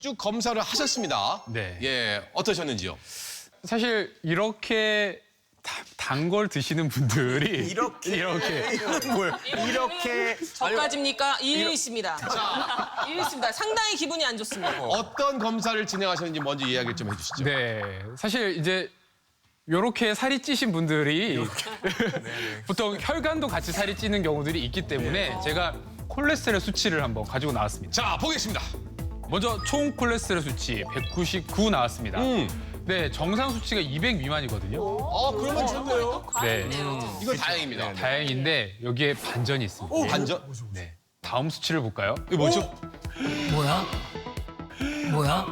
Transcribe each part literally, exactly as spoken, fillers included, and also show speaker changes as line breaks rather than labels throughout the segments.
쭉 검사를 하셨습니다.
네.
예, 어떠셨는지요?
사실 이렇게 단 걸 드시는 분들이
이렇게.
이렇게
뭘 이렇게
저까지입니까? 일리 있습니다. 일리 있습니다. 상당히 기분이 안 좋습니다.
어떤 검사를 진행하셨는지 먼저 이야기를 좀 해주시죠.
네 사실 이제 이렇게 살이 찌신 분들이 보통 혈관도 같이 살이 찌는 경우들이 있기 때문에 제가 콜레스테롤 수치를 한번 가지고 나왔습니다.
자, 보겠습니다.
먼저 총 콜레스테롤 수치 백구십구 나왔습니다.
음.
네 정상 수치가 이백 미만이거든요.
어, 그러면 좋네요.
네
이건 다행입니다.
다행인데 여기에 반전이 있습니다.
오, 반전?
네 다음 수치를 볼까요?
이게 뭐죠?
뭐야? 뭐야?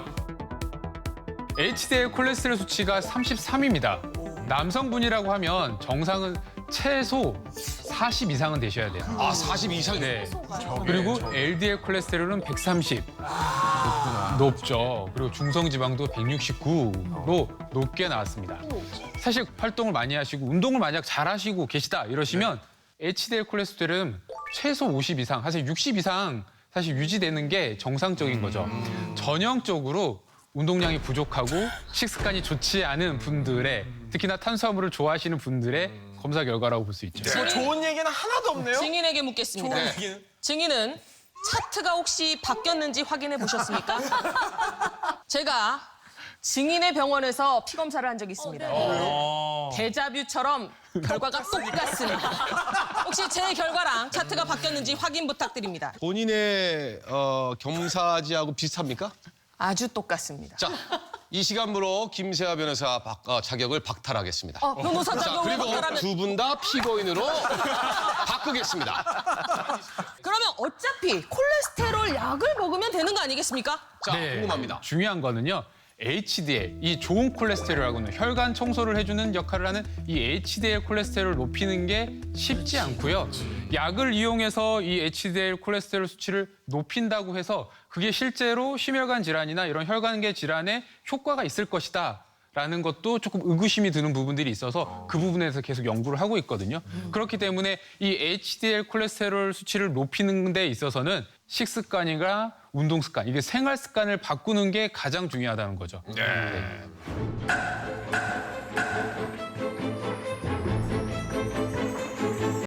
에이치디엘 콜레스테롤 수치가 삼십삼입니다. 남성분이라고 하면 정상은 최소 사십 이상은 되셔야 돼요.
아, 사십 이상이요?
네. 그리고 엘디엘 콜레스테롤은 백삼십. 높구나. 높죠. 그리고 중성지방도 백육십구로 높게 나왔습니다. 사실 활동을 많이 하시고 운동을 만약 잘 하시고 계시다 이러시면 에이치디엘 콜레스테롤은 최소 오십 이상, 사실 육십 이상 사실 유지되는 게 정상적인 거죠. 전형적으로 운동량이 부족하고 식습관이 좋지 않은 분들의 특히나 탄수화물을 좋아하시는 분들의 검사 결과라고 볼 수 있죠.
뭐 좋은 얘기는 하나도 없네요.
증인에게 묻겠습니다.
좋은 얘기는.
증인은 차트가 혹시 바뀌었는지 확인해 보셨습니까? 제가 증인의 병원에서 피 검사를 한 적이 있습니다. 데자뷰처럼 결과가 똑같습니다. 혹시 제 결과랑 차트가 바뀌었는지 확인 부탁드립니다.
본인의 어, 겸사지하고 비슷합니까?
아주 똑같습니다.
자, 이 시간부로 김세아 변호사 박- 어, 자격을 박탈하겠습니다.
어, 변호사
자,
자격을
그리고
박탈하면
두 분 다 피고인으로 바꾸겠습니다.
그러면 어차피 콜레스테롤 약을 먹으면 되는 거 아니겠습니까?
자,
네,
궁금합니다.
중요한 거는요. 에이치디엘, 이 좋은 콜레스테롤하고는 혈관 청소를 해주는 역할을 하는 이 에이치디엘 콜레스테롤을 높이는 게 쉽지 않고요. 약을 이용해서 이 에이치디엘 콜레스테롤 수치를 높인다고 해서 그게 실제로 심혈관 질환이나 이런 혈관계 질환에 효과가 있을 것이다. 라는 것도 조금 의구심이 드는 부분들이 있어서 그 부분에서 계속 연구를 하고 있거든요. 그렇기 때문에 이 에이치디엘 콜레스테롤 수치를 높이는 데 있어서는 식습관이나 운동 습관, 이게 생활 습관을 바꾸는 게 가장 중요하다는 거죠.
네.